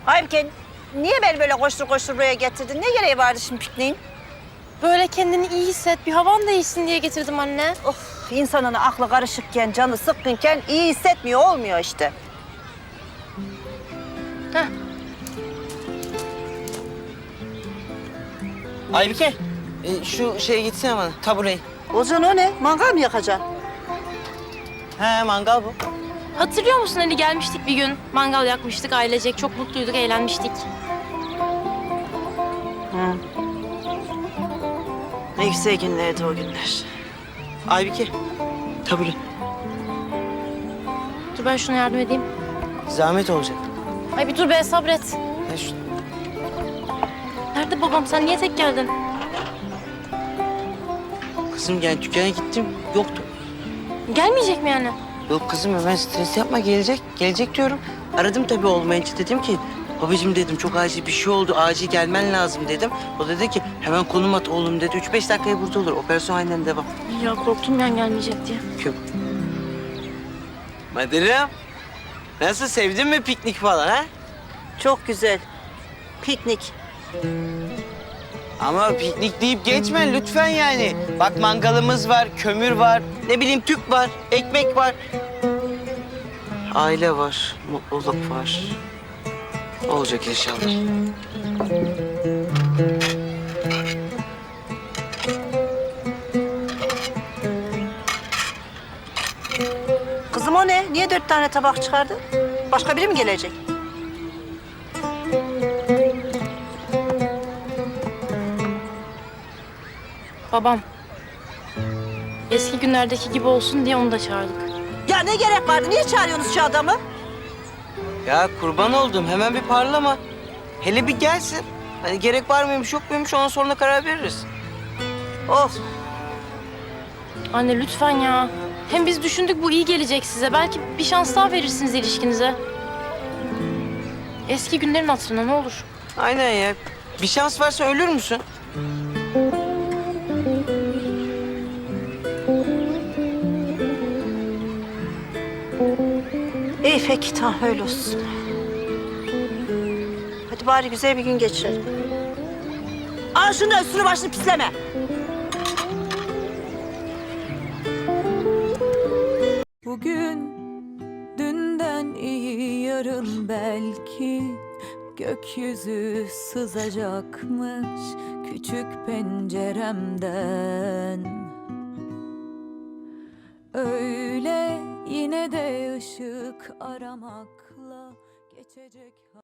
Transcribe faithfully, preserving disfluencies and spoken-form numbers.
Halbuki niye beni böyle koştur koştur buraya getirdin? Ne gereği vardı şimdi pikniğin? Böyle kendini iyi hisset, bir havan değişsin diye getirdim anne. Of, insanın aklı karışıkken, canı sıkkınken iyi hissetmiyor, olmuyor işte. Heh. Aybike, e, şu şeye gitsene bana, tabureyi. Ozan o ne? Mangal mı yakacaksın? He, mangal bu. Hatırlıyor musun hani gelmiştik bir gün, mangal yakmıştık ailecek, çok mutluyduk, eğlenmiştik. Hı. Ne güzel günlerdi o günler. Aybike, tabure. Dur ben şuna yardım edeyim. Zahmet olacak. Ay bir dur be, sabret. Ha, şu... Nerede babam, sen niye tek geldin? Kızım yani dükkana gittim, yoktu. Gelmeyecek mi yani? Yok kızım hemen stres yapma, gelecek. Gelecek diyorum. Aradım tabii olmayınca, dedim ki... Babacığım dedim, çok acil bir şey oldu, acil gelmen lazım dedim. O dedi ki hemen konum at oğlum dedi. Üç beş dakikaya burada olur, operasyon aynen devam. Ya korktum ben gelmeyecek diye. Yok. Madırım, nasıl, sevdin mi piknik falan ha? Çok güzel. Piknik. Ama piknik deyip geçme lütfen yani. Bak mangalımız var, kömür var, ne bileyim tüp var, ekmek var. Aile var, mutluluk var. Olacak inşallah. Kızım o ne? Niye dört tane tabak çıkardın? Başka biri mi gelecek? Babam. Eski günlerdeki gibi olsun diye onu da çağırdık. Ya ne gerek vardı? Niye çağırıyorsunuz şu adamı? Ya kurban oldum, hemen bir parlama. Hele bir gelsin. Hani gerek var mıymış yok muymuş, ondan sonra karar veririz. Of. Anne lütfen ya. Hem biz düşündük bu iyi gelecek size. Belki bir şans daha verirsiniz ilişkinize. Eski günlerin hatırına ne olur. Aynen ya. Bir şans varsa ölür müsün? İyi peki tamam öyle olsun. Hadi bari güzel bir gün geçirelim. Al şunu da üstünü başını pisleme. Bugün dünden iyi yarın belki gökyüzü sızacakmış küçük penceremden. Öyle yine de ışık aramakla geçecek.